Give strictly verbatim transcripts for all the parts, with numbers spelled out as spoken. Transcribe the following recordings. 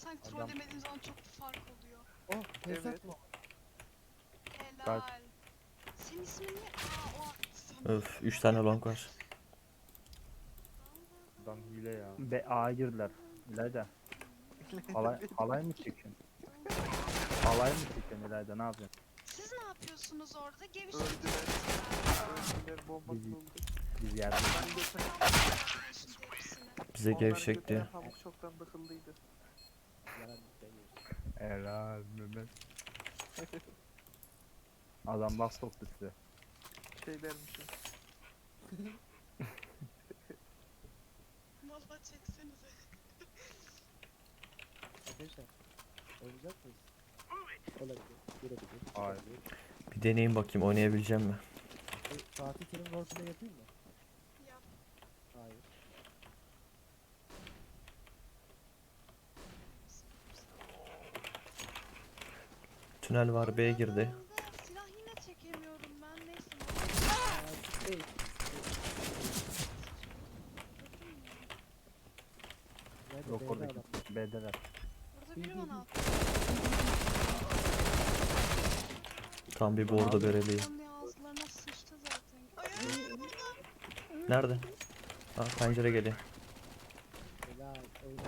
sanki Adam- trollemediğim zaman çok fark oluyor. Oh, Evet. Tesat mı? Helal. Senin ismin ne? Aa o sana. Öf, üç tane long var. Adam hile ya. Be A'ya girdiler. İlayda. Halay, halay mı çekiyorsun? Halay mı çekiyorsun İlayda, ne yapıyorsun? Siz ne yapıyorsunuz orada? Geviş Öldüler. yapıyorsunuz. Öldüler bomba Bizi- kuruldu. Biz yerde. Bize Onların gevşek götüne diyor. Pamuk çoktan dıkıldıydı. Yalan demiyorsun. Helal Mehmet. Adam laf soktu size. Şey dermişim. Valla çeksenize. Arkadaşlar, oynayacak mıyız? Olabilir, girebilir. Hayır. Bir deneyeyim bakayım oynayabileceğim mi? E, Fatih Terim roleplay yapayım mı? Yap. Hayır. Tünel var, B'ye girdi. Silah yine çekemiyorum ben. Neyse. Aa, değil. Nerede? Yok B'de oradaki adam. B'deler. Burada biri bana attı. Tam bir bordo bereliyim. Onun ağızlarına sıçtı zaten. Ay ay ay burada. Nerede? Aa, pencere geliyor. Helal. Oynadı.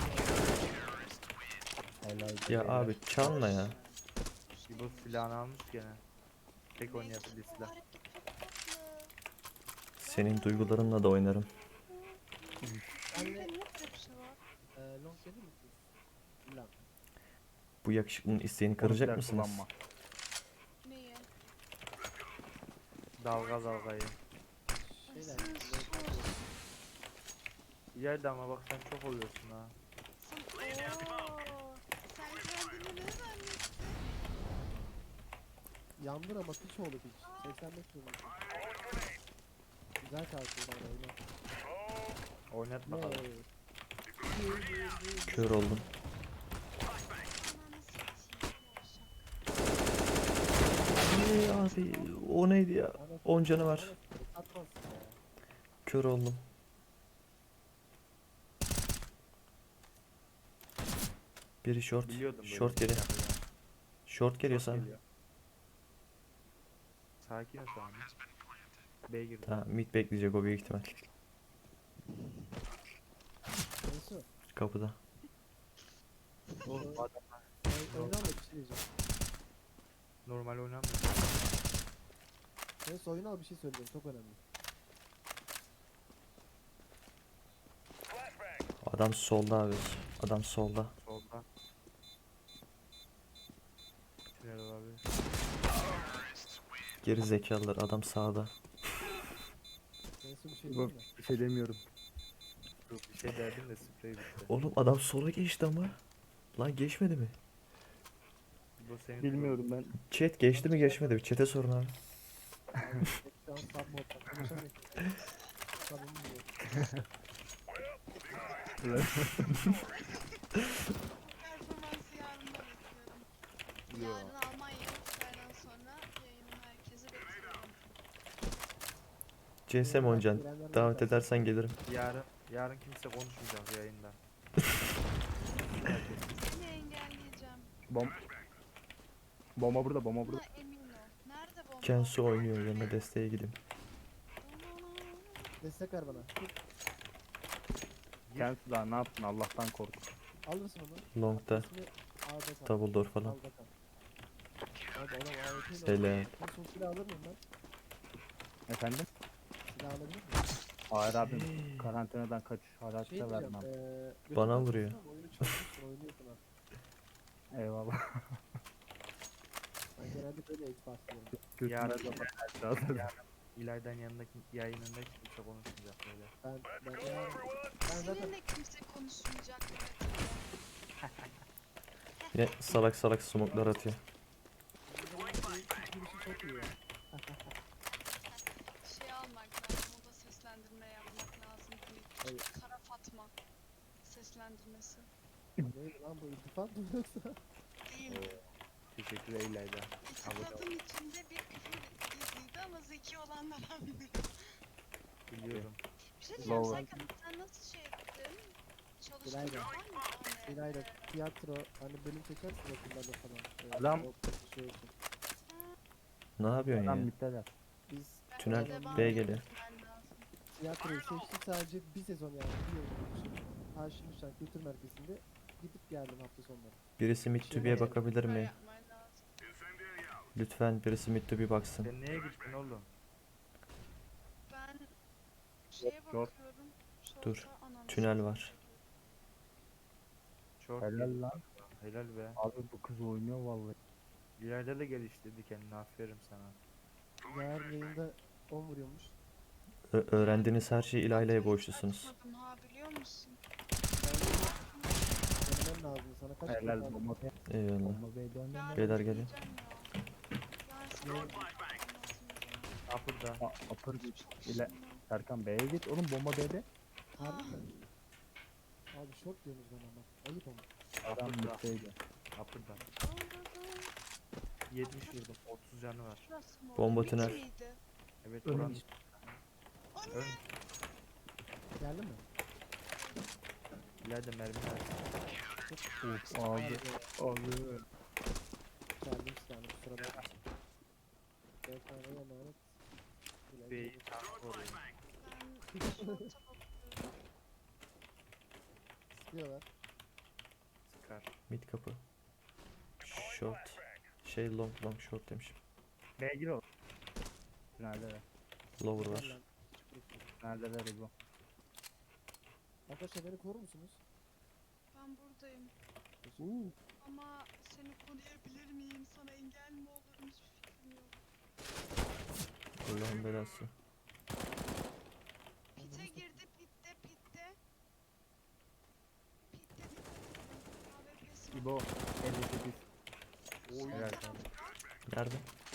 Helal. Ya abi çalma ya. Bu silahını almış gene. Tek oynayabildiği Bu silah. hareket çok tatlı. Senin duygularınla da oynarım. Bende niye böyle bir şey var? Ee, long gelir misiniz? Lan. Bu yakışıklının isteğini kıracak mısınız? Kullanma. Neyi? Dalga dalgayı. Şeyler. Sen long- sus. İleride ama bak sen çok oluyorsun ha. Sen ooo. Sen kendini ne zannettin? Yandır ama piç oldu piç. seksen beş vurmuş. Güzel kalktı bana oyna. Oynat Ne? bakalım. Kör oldum. Ananı satayım. Yavşak. Ee, abi o neydi ya? on canı var. Atmazsın ya. Kör oldum. Biri short. Biliyordum böyle Short bir şey geliyor. yapacağını. Short geliyor Short sana. geliyor. Sakin ol şu an. B'ye girdi. Tamam, mid bekleyecek o büyük ihtimal. Neyse. Kapıda. Oğlum bu adam Oy- Oyna ama bir şey diyeceğim. normal oynamıyor. Neyse oyna al bir şey söyleyeceğim. Çok önemli. Adam solda abi. Adam solda. Solda. Tünel olabilir. Geri zekalılar, adam sağda. Neyse bir şey Bak, diyeyim mi? bir şey demiyorum. Yok bir şey derdim de sprey bitti. Oğlum adam sola geçti ama. Lan geçmedi mi? Bu senin Bilmiyorum ben. Chat geçti mi geçmedi mi? Chat'e sorun abi. Abi, şu an sub modda konuşamıyorum. Sub'ımı biliyorum. Performansı yarın da bekliyorum. Yo. Yarın Almanya gittiklerden sonra yayını herkese bekliyorum. C S mi oynayacaksın? Davet edersen gelirim. Yarın yarın kimse konuşmayacak yayında. Seni engelleyeceğim. Bom Bomba burada, bomba Buna burada. emin ol. Nerede bomba? Kensu oynuyor, yanına desteğe gideyim. Destek ver bana. Kendisi daha ne yaptın, Allah'tan kork. Alırsın onu. Long'da. İsmi A'da kal. Double door falan. A'da kal. Abi adam A W P 'yle Selam. oynuyor. Ben son silah alır mıyım ben? Efendim? Silah alabilir miyim? Hayır abim, karantinadan kaç, Şey hayatta diyeceğim. vermem. eee, Bana götürmez vuruyor. misin ama oyunu çalmışsın, oynuyorsun ha. Eyvallah. Ben genelde böyle ek başlıyorum. Yarın, Yarın. yarın İlayda'nın yanındaki yayınında kimse konuşmayacak böyle. Ben ben yarın ben zaten Seninle kimse konuşmayacak. Yine salak salak smoke'lar atıyor. girişi çok iyi ya. Şey almak lazım. O da seslendirme yapmak lazım. Bir Hayır. Kara Fatma seslendirmesi. Neydi lan bu iltifat mı yoksa? Değil mi? Teşekkürler İlayda. İltifatın içinde bir küfür gizliydi ama zeki olanlar anlıyor. Biliyorum. Bir şey diyeceğim, Lower. sen, sen nasıl şey ettin? çalıştığın İlayda. var mı? Hani, İlayda tiyatro hani bölüm çekersin okullarda falan. Ee, Adam- o şey olsun. Ne yapıyorsun Adam ya? mitteler. Biz bence Tünel devam B geliyor. etmen lazım. tiyatroyu seçtik sadece bir sezon yani bir yıl için. Haşim Şen Kültür Merkezi'nde gidip geldim hafta sonları. Birisi Mid to B'ye bakabilir Süper mi? yapman lazım. Lütfen birisi Mid to B baksın. Sen neye gittin oğlum? Ben şeye Yok. bakıyorum. Dur, Short'a ananı tünel satayım. var. Short Helal yedi. lan. Helal be. Abi bu kız oynuyor vallahi. İleride de geliştirdi kendini, aferin sana. Yarın yayında on vuruyormuş. Ö- öğrendiğiniz her şeyi İlayda'ya Hiç borçlusunuz. açmadım ha, biliyor musun? Denemen lazım sana kaç kere Helal lazım? bomba be. Eyvallah. Bomba be dön dön Yarın dön. Beyler gelin. deneyeceğim ya. Yarın sana Ne? bakmam lazım o zaman. Upper'da. Aa, Apır git. Çok İle. işim var. Serkan B'ye git. Oğlum bomba B'de. Harbi mi? Abi short diyorsunuz bana bak. Ayıp ama. Adam Upper'da. mitteydi. Upper'da. Oradan yetmiş vurdum. otuz canı var. şurası mı? Bomba Mid tünel. miydi? Evet Önüm. oran. Anne! Ön. Geldin mi? İleride mermi var. Of abi. Abi. Geldim silahını kusura bakma. Beyefendiye emanet. Bilal B'yi geldi. tank koruyor. Ben short'a bakıyorum. Sıkıyorlar. Sıkar. Mid kapı. Short. Şey long long short demişim. B'ye gir oğlum. Neredeler? Lower Gel var. lan. Çık. Neredeler İbo? Arkadaşlar beni korur musunuz? Ben buradayım. Uuu. Ama seni koruyabilir miyim? Sana engel mi olurum? Hiçbir fikrim yok. Allah'ın belası. Pite girdi, pitte, pitte. Pitte, pitte. A W P'si var. İbo. elli sekiz. Oy. Helal. Nerede?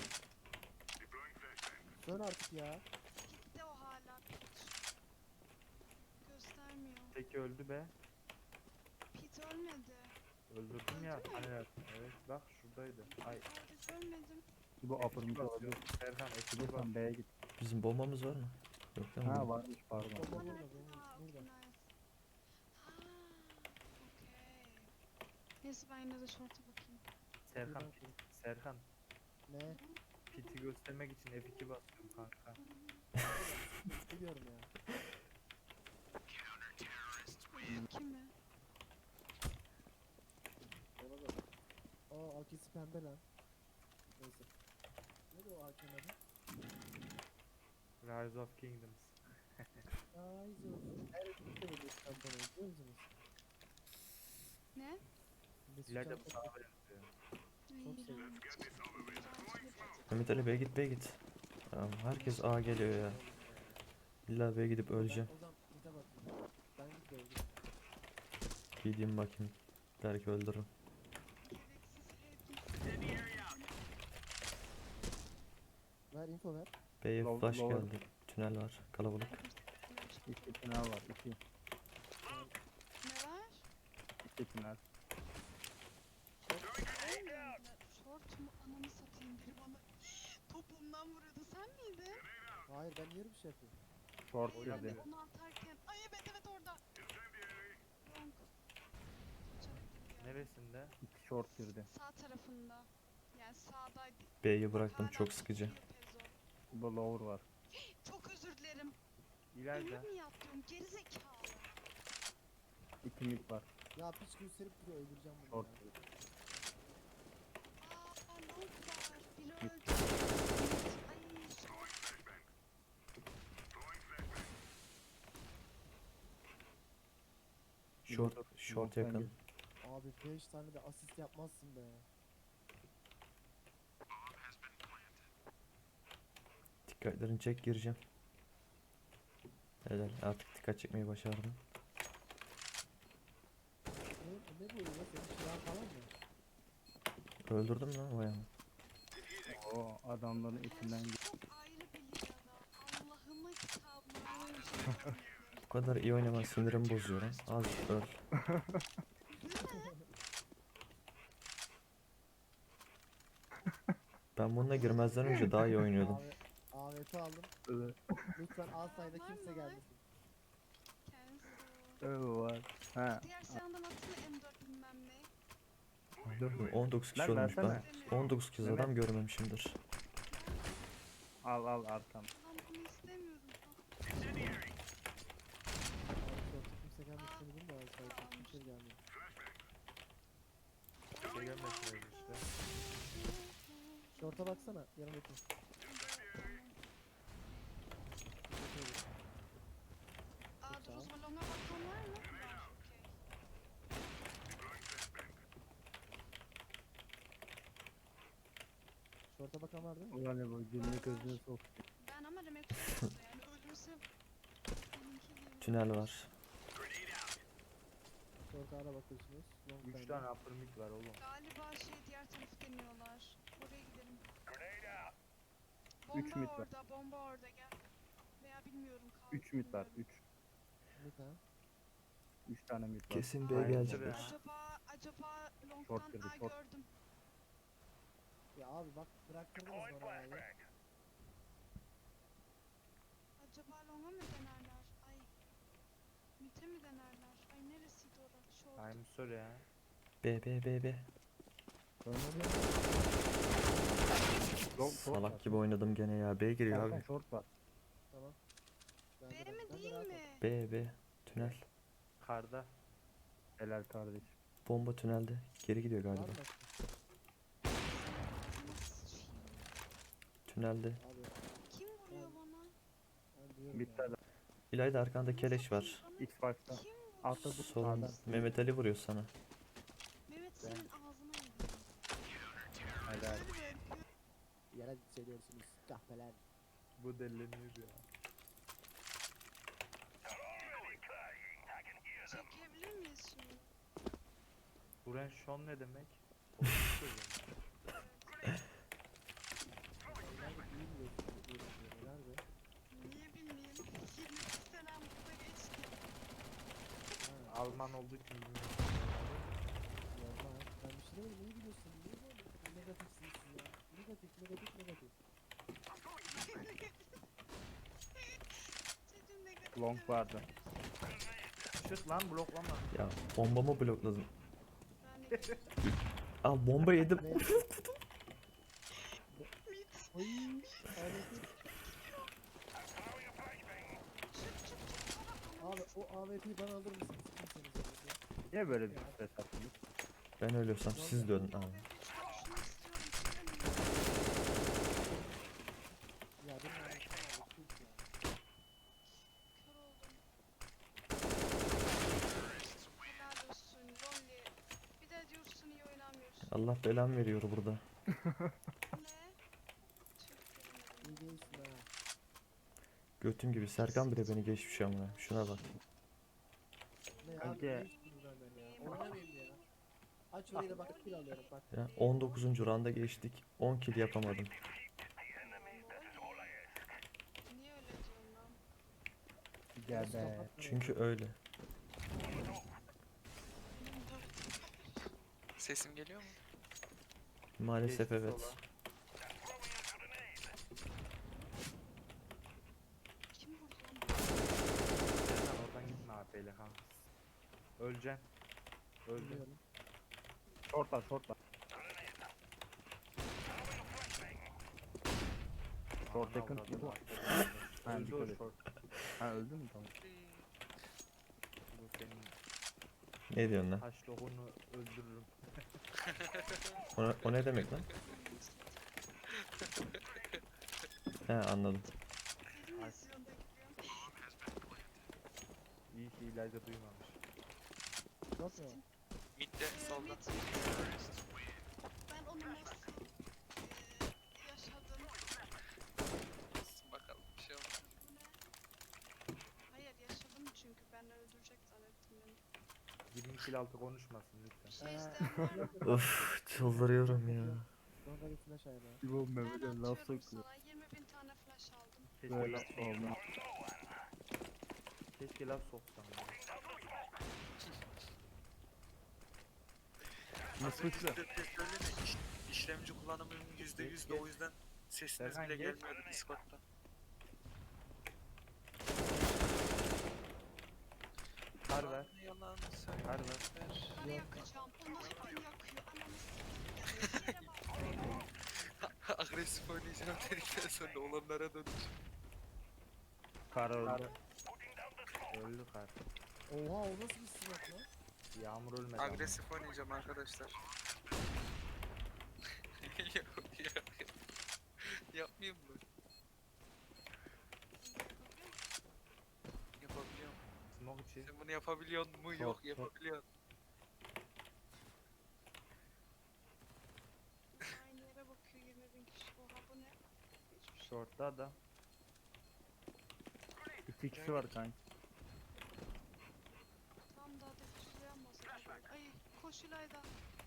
Dön artık ya. Pitte o hala. Pit. Göstermiyor. Tek öldü be. Pit ölmedi. Öldürdüm ya. Öldü mü? Hani evet bak şuradaydı. Ay. Hayır, ölmedim. İbo upper'ımız basıyor. olabilir. Serkan eski İbo bak. sen B'ye git. Bizim bombamız var mı? Yok değil mi? Ha varmış pardon. Bomba Ha, burada, nerede? bomba Ha, burada. okey, nice. Ha, okey. Neyse ben yine de short'a bakayım. Serkan. Buradan Pit. Serkan. Ne? Pit'i göstermek için F iki basıyorum kanka. Biliyorum ya. Kim mi? Ona da. Aa A K'si pembe lan. Neyse. Neydi o A K'nin adı? Rise of Kingdoms. Aa izliyorsun. Her ülkede böyle şampiyonu izliyor musunuz? Ne? Mesut İleride bu Can- sana benziyor. Çok Ay, seviyorum. iğrenç. Mehmet Ali B'ye git B'ye git. Tamam, herkes A geliyor ya. İlla B'ye gidip öleceğim. O zaman bir de bakayım. Ben gidiyorum. Gideyim bakayım. Belki öldürürüm. Ver info ver. B'ye Low- flash lower. geldi. Tünel var. Kalabalık. İki tünel var. İki. Ne var? İki tünel. Short mu? Ananı satayım, biri bana topumdan vuruyordu. Sen miydin? Hayır ben niye bir şey yapıyorum? Short Ben girdi. de onu atarken. Ay evet evet orada. Wrong. Neresinde? İki short girdi. Sağ tarafında. Yani sağdaydı. B'yi bıraktım, Hala çok sıkıcı. tutuyor Pezo. İbo lower var. Çok özür dilerim. İleride. Ölür mü yaptım? Gerizekalı. İki mid var. Ya piç gösterip duruyor öldüreceğim bunu Short ya. girdi. Aa, long var. Biri Git. öldü. Ay, short. Short, İbo- short İbo sen yakın. gir. Abi beş tane de asist yapmazsın be. Dikkatlerini çek, gireceğim. Helal, artık dikkat çekmeyi başardım. Ne, ne bu ya? Senin silahın falan mı? Öldürdüm lan bayağı. Oo adamların içinden gir. Çok ayrı bir ligada. Allah'ıma kitabıma öyle bir şey yapmadım. Bu kadar iyi oynaman sinirimi bozuyor lan. Az öl. Ben bununla girmezden önce daha iyi oynuyordum. Abi A W P aldım. Evet. Lütfen alsayda Var kimse mı? gelmesin. Kendisi Evet var. Ha. Diğer silahından atsana M dört bilmem ne. Gördün mü? on dokuz kişi Lan ölmüş. Ben versene. on dokuz kez Mehmet. adam görmemişimdir. Al al arkam. Lan bunu istemiyorum. Abi şorta kimse gelmesin dedim de abi sadece kimse gelmiyor. Şey gelmesin öyle işte. Şorta baksana yanımdaki. Aa dur o zaman longa bakan var mı? Var. Okey. Şorta bakan var değil mi? Ulan ne bu dilini gözüne sok. Ben ama demek tutuyordu yani ölürsem benimki gibi. Tünel var. Şorta ara bakıyorsunuz. Long üç time. tane upper mid var oğlum. Galiba şey diğer tarafı deniyorlar. Oraya gidelim. Üç Bomba mid var. orada, bomba orada gel. Veya bilmiyorum kaldı. üç mid var. bilmiyorum. üç. Mid ha. üç tane mid var. Kesin B Aynen. gelecekler. Ya. Acaba acaba Short long'dan girdi, aa short. gördüm. Ya abi bak bıraktırdınız bana abi. Acaba long'a mı denerler? Ay. Mid'e mi denerler? Ay neresiydi orası? Short. I'm sorry ya. B B B B. Long short var. Salak gibi oynadım gene ya. B giriyor Serkan abi. short var. Tamam. Ben de B rahat- mi ben de değil rahat ol. mi? B B. Tünel. Karda. Helal kardeşim. Bomba tünelde. Geri gidiyor Var galiba. mı başka? Ağzına sıçayım. Tünelde. Abi Kim vuruyor bana? ben diyorum Bitti ya. adam. İlayda arkanda keleş var. Bana X five'da. kim vuruyor? Altta bu Sorun. sağda. Mehmet Ali vuruyor sana. Mehmet senin ağzına vuruyor. Helal. Yere hissediyorsunuz kahpeler. Bu deleniyor ya. Çekebilir miyiz şimdi? Buren Sean ne demek? O nasıl söylüyor? Nerede iyi biliyorsun bu ürünleri, nerede? Niye bilmeyeyim? yirmi iki senem burada geçti. Ha, Alman olduğu için bilmiyorum. normal. Ben bir şey demedim iyi biliyorsun. Niye böyle negatifsiniz siz ya? Negatif negatif negatif. Çocuğun negatif Long demesi vardı. gerekiyor. Şut lan bloklama. Ya bombamı blokladım. Ben negatif. Al bomba yedim. Ne? Oy. Aleti. Çık çık çık. Bana Abi o A W P'yi bana alır mısınız? Kimseniz A W P? Niye böyle bir stres attınız? Ben ölüyorsam siz dönün abi. Ya benim A W P'm A W P yok ya. Kör oldum. Helal olsun Lolli. Bir de diyorsun iyi oynamıyorsun. Allah belamı veriyor burada. Ne? Tüh İyi göremedim. değilsin ha. Götüm gibi. Serkan bile beni geçmiş ama. Şuna bak. Ne Kanka. abi ne istiyorsun benden ya? Oynamayayım ya. Aç orayı da bak kill alıyorum bak. Ya on dokuzuncu randa geçtik. on kill yapamadım. Niye öyle diyorsun lan? Gel be. Kapat Çünkü öyle. Benim dört. Sesim geliyor mu? Maalesef Geçti evet. sola. Kim vurdu lan? Serkan oradan gitme A P ile kanka. Öleceksin. Öldün. Bilmiyorum. Short var short var. Short yakın. Avradım Bu. var. Ha, Öldü dikkat o et. short. Ha öldü mü tamam. Bu senin Ne diyorsun lan? taş lohunu öldürürüm. O, o ne demek lan? He anladım. Film izliyorsun da gülüyorsun. İyi ki İlayda duymamış. Yok mu? Mid'de solda. Ben onu nasıl eee, yaşadım? Bakalım bir şey olmaz. Bu ne? Hayır yaşadım çünkü ben öldürecek zannettim beni. yirmi kill altı konuşmasın lütfen. Bir şey Ee, isteyen var mı? Of çıldırıyorum ya. Sonra bir flash ayarla. Bu Ben Mehmet'e laf atıyorum sokuyor. sana yirmi bin tane flash aldım. Keşke Böyle laf olmaz. Keşke laf soksam ya. Nasıl Yüzde bir söyleme. İş, işlemci kullanımının yüzde yüz de o yüzden sesiniz Serkan bile geç. gelmiyordu Discord'da. Kar ver. Ya yalan söyle. Hadi lan. Ben yakacağım. Onlar beni yakıyor. Ananı s**eyim. Yere bak. Agresif oynayacağım dedikten sonra olanlara döndü. Kar öldü. Öldü kar. Oha o nasıl bir silah lan? Yağmur ölmedi ama. Agresif oynayacağım arkadaşlar. Yok yok. Yapmayayım mı? Yapabiliyorum. Smoke içi. Sen bunu yapabiliyor mu? Çok, Yok çok. yapabiliyorsun. Aynı yere bakıyor yirmi bin kişi. Oha bu ne? Hiçbir şey. Short'ta adam. İki kişi var kanka. Tam daha da füzleyen masada. Ay koş İlayda.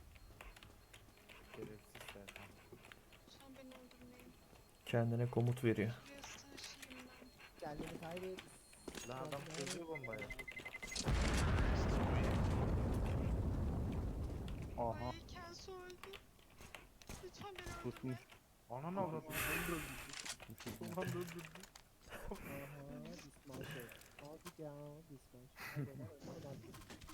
Şerefsiz Serkan. Sen beni öldürmeyin. Kendine komut veriyor. Şuraya sığışayım ben. Kendini kaybet. Lan adam çözüyor bombayı. Aha. Ay Kelso öldü. Lütfen beni öldürme. Kusmuş. Ananı avradım. Ulan öldürdü. Aha dismanşe. Hadi ya dismanşe. Hadi lan öldür artık.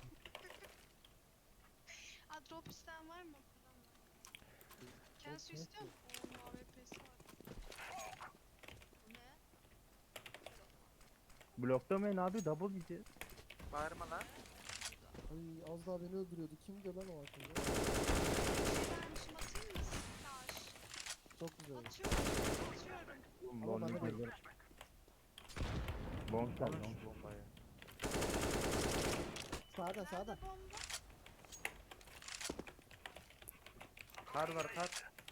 Aa drop isteyen var mı? Param var. Kelso yok istiyor musun? Oo A W P'si var. Bu ne? Bloklamayın abi, double gideceğiz. Bağırma lan. Ay az daha beni öldürüyordu. Kimdi lan o akıllı? Bir şey vermişim atayım mı? Flash. Çok güzel. Atıyorum. Atıyorum. Ama Lonely bana gelir. Long gel Alın long. şu bombayı. Sağda sağda. Nerede bomba? Kar var kar.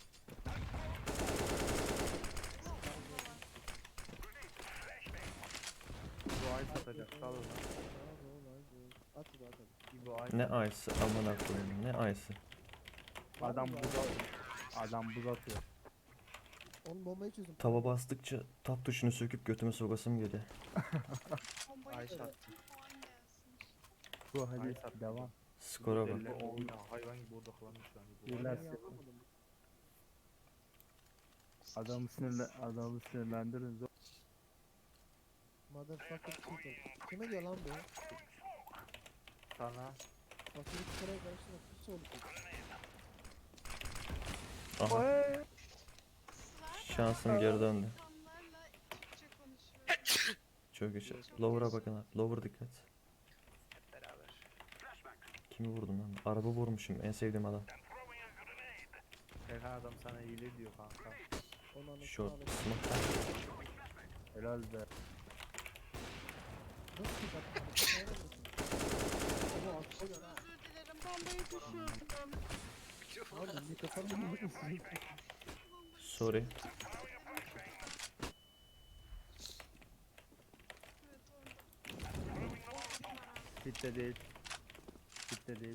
Bu ay satacak. Sal lan. At hadi at hadi. Bu ay. Ne ayısı amına koyayım ne ayısı. Adam buz atıyor. Adam buz atıyor. Onun bombayı çözdüm. Tava bastıkça tap tuşunu söküp götüme sokasım geliyor. Bombayı Ay çözdüm. sattı. Puan gelsin. Bu Ay hadi sattı. devam. Skora bak. Deliler oyuna hayvan gibi odaklanmış şu an. Bu Beyler, var Ben ya. yapamadım. Adamı sinirle adamı sinirlendirin. Motherfucker cheater. Kime diyor lan bu? Sana. Fakiri kusura karşısına pis oldu. Aha Sizler şansım geri döndü. insanlarla Türkçe konuşuyorum. Çok güzel. Lower'a bakın abi. Lower dikkat. Hep beraber. Kimi vurdum ben? Araba vurmuşum. En sevdiğim adam. Serkan adam sana hile diyor kanka. Onu anlatın Short. abi. Smoke'tan. Helal be. Nasıl bir dakika? Ama atıyor ha. Özür dilerim bombayı düşürdüm. Abi mikrofonu mu musun? Sorry. Evet orada. Bitti değil. Bitti değil.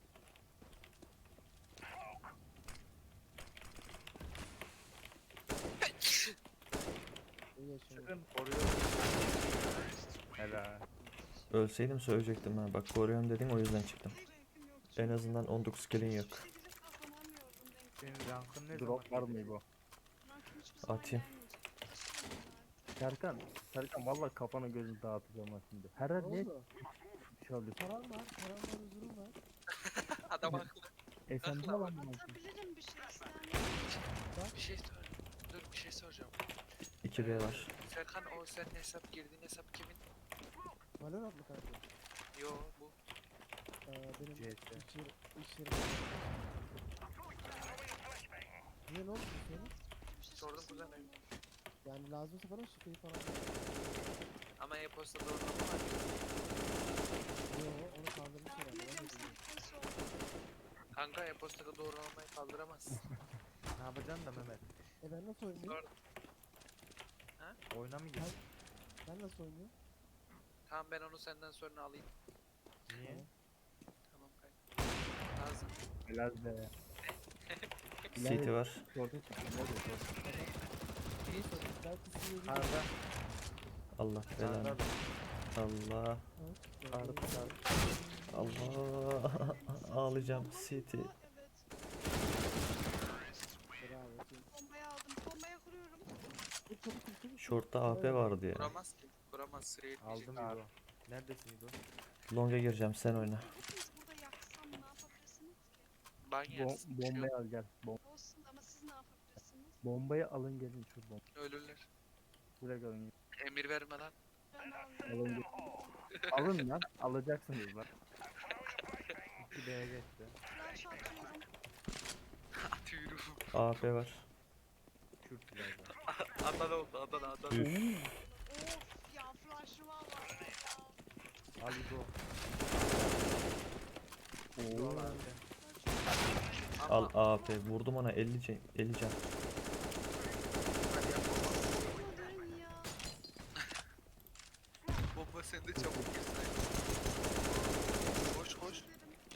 İyi yaşıyor. Çıkın koruyor. Helal. Ölseydim söyleyecektim ha. Bak koruyorum dedin o yüzden çıktım. Rankim yok En çünkü. azından on dokuz kill'in yok. Hiçbir şekilde kazanamıyorum rank. Senin rankın ne zaman? Drop var mı gelecek? bu? Rankim hiçbir zaman Atayım. gelmeyecek. Taşıyorum artık. Serkan, Serkan vallahi kafanı gözünü dağıtacağım ha şimdi. Her Ne an ne oldu? bir şey oluyor. Param var, param var, huzurum var. Adam haklı. E sen ne lan bu? Atabilirim bir şey isteyen. Bir şey sor. Dur bir şey soracağım. iki B var. Serkan o senin hesap girdiğin hesap kimin? Valorant mı kanka? Yo bu. Ee, benim C S. iş yeri, iş yeri. Niye ne oldu senin? Bir şey Sordum çıksın kuzenim. olur. Yani lazımsa falan şifreyi falan. Ama e-posta doğrulama var. Yo onu kaldırmış Ben herhalde. Ben bilirim de sen bilmiyorum. kes ol. Kanka e-postada doğrulamayı kaldıramazsın. Ne yapacaksın da Mehmet? E ben nasıl oynuyorum? Sor. Oyuna mı girdin? Ben nasıl oynuyorum? Tamam ben onu senden sonra alayım. Niye? Tamam kanka. Lazım. Helal be. City var. Orada çıktı. Ne diyor? Niye sordun? Belki sizi yedi. Karda. Allah Karda belanı. da. Allah. Karda. Karda. Allah. Ağlayacağım. City. Evet. Bravo. Bombayı aldım. Bombaya kuruyorum. Dur çabuk dur çabuk. Short'ta A P vardı ya. Kuramaz ki. Kuramaz sıraya Aldım yetmeyecek. İbo. Neredesin İbo? Long'a gireceğim, sen oyna. Hepiniz burada yaksam ne yapabilirsiniz ki? Ban Bom yersin. bir şey yok. bombayı al gel. Bom Olsun ama siz ne yapabilirsiniz? bombayı alın gelin şu bom. Ölürler. Direkt alın. Emir verme lan. Ben Alın alıyorum. gelin. Alın lan. Alacaksınız lan. iki B'ye geçti. Flash atıyorum. Atıyorum. A P var. Kürt ileride. Adana oldu Adana Adana. Üf. Of ya flash'ıma var ya. Ali go. Oo. Go abi. Al A P. Vurdum ona elli can. elli can. Hadi yap baba. Dön ya. Bomba sende çabuk girsin. Koş koş.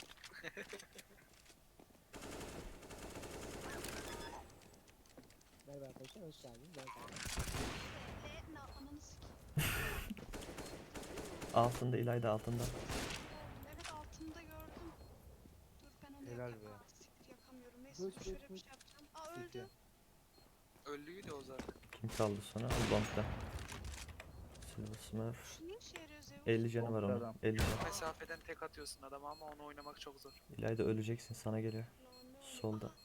Merhaba arkadaşlar, hoş geldiniz. Ben Kaan. E, na, ananı sikeyim. Altında İlayda altında. Evet altında gördüm. Dur ben onu Helal yakayım. be. Aa, siktir yakamıyorum. Neyse Göç, dur şöyle göç, bir göç. şey yapacağım. Aa City. öldü. Öldüydü o zaten. Kim kaldı sonra? Al Long'da. Silver Smurf. Şu ne işe yarıyor Zeus? elli canı var Long'da onun. adam. elli can. Mesafeden tek atıyorsun adama ama onu oynamak çok zor. İlayda öleceksin, sana geliyor. Lan ne oluyor? Solda. Aa.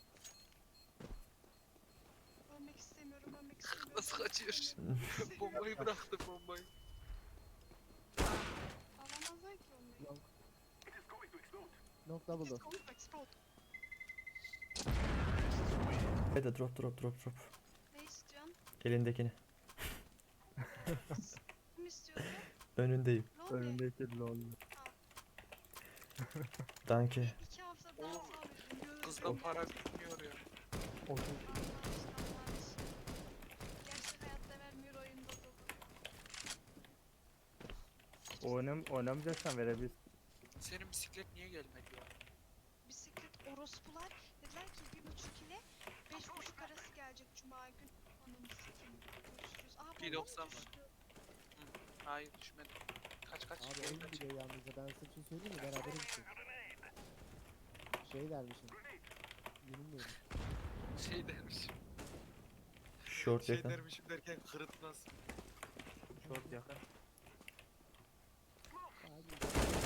Ölmek istemiyorum, ölmek istemiyorum. Nasıl kaçıyor? istemiyorum. Bombayı bıraktı bombayı. Alamazlar ki onu. Long. Long double door. Let's go, explode. İlayda drop drop drop drop. Ne istiyorsun? Elindekini. Kim istiyordu? Önündeyim. Lol ne? Önündeki lol. Danke. İki hafta daha Oğlum, sabredin. Kızdan para bitmiyor ya. Gerçek hayatta vermiyor oyunda dolu. Oynam oynamayacaksan verebilirsin. Senin bisiklet niye gelmedi ya? Bisiklet orospular dediler ki bir buçuk ile beş buçuk arası gelecek cuma gün. Ananı sikeyim. Görüşürüz. Aa Bir bomba mı doksan var. düştü? Hayır düşmedi. Kaç kaç. Abi geri oyun kaç. biliyor yalnız da ben size bir şey söyleyeyim mi? Beraber gittik. Şey dermişim. Yenilmiyorum. Şey dermişim. Short Şey yakın. dermişim derken kırıtmaz. Short yakın. Hadi.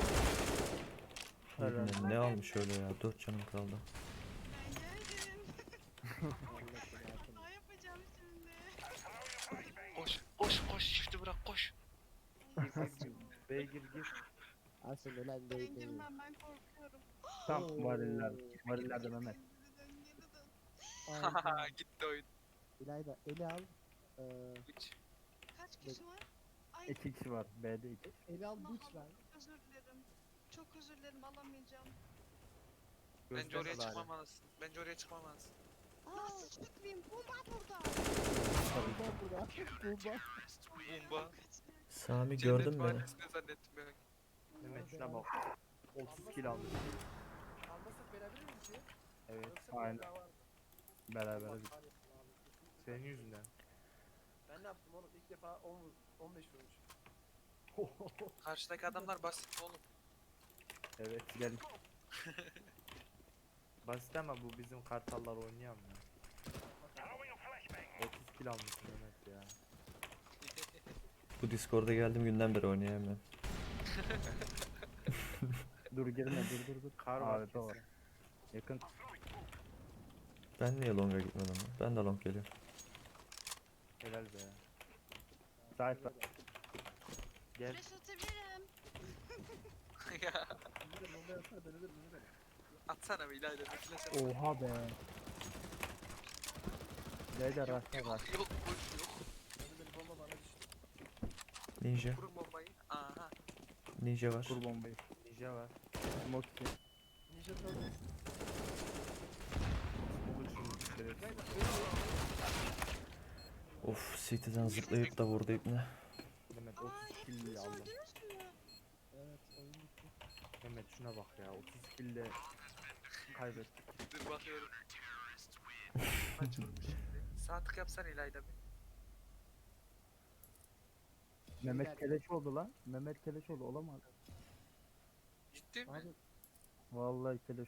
Helal. Ne, ne almış öyle ya? dört canım kaldı. Ben geldim. Allah belasını. Ne yapacağım şimdi? Koş koş koş shift'i bırak koş. B'ye gir gir. Aslında lan Ben değil değil. girmem ben korkuyorum. Tam Oo. variller. Varillerde Mehmet. Geri dön, geri dön. Aynen. Gitti oyun. İlayda eli al. Ee, Üç. Kaç kişi var? Ay İki kişi var. B'de iki. eli al Allah buç Allah. ver. Özür dilerim. Çok özür dilerim alamayacağım. Bence Gözden oraya al abi. çıkmamalısın. Bence oraya çıkmamalısın. Nasıl çıkmayayım? Bomba burada. Bomba burada. Bomba. Bomba. Sami Cennet gördün beni. mahallesinde zannettim ben. Mehmet şuna bak. otuz kill almış. Almasak beraber mi bitiyor? Evet. Aynen. Beraber bir. Senin yüzünden. Ben ne yaptım oğlum? İlk defa on vur, on beş vurmuş. Karşıdaki adamlar basit oğlum. Evet gelin. Basit ama bu bizim kartallar oynayamıyor. otuz kill almış Mehmet ya. Bu Discord'a geldiğim günden beri oynayamıyorum. Dur girme dur dur dur. Kar var Abi, doğru. kesin. Yakın. Ben niye Long'a gitmedim lan? Ben de Long geliyorum. Helal be. Sahip var. Gel. Flash atabilirim. Ya Şimdi de bomba yapsana ben ölürüm ölürüm. atsana bir ileride bir flash at. Oha be. Neydi rastla var. Yok yok boş yok. Ölürüm bomba bana düştü. Ninja. Kurun bombayı. Aha. Ninja var. Kur bombayı. Ninja var. Smoke için. Ninja Turtle. Google şunu direkt. Of, City'den zıplayıp da vurdu ipne. Mehmet Aa otuz kill hepiniz aldı. öldünüz mü? Evet oyun bitti. Mehmet şuna bak ya. otuz kill ile kaybettik. Dur bakıyorum. Maç olmuş şimdi. Sağ tık yapsana İlayda bir. Mehmet Keleş oldu lan. Mehmet Keleş oldu olamaz. Ciddi mi? Abi Vallahi Keleş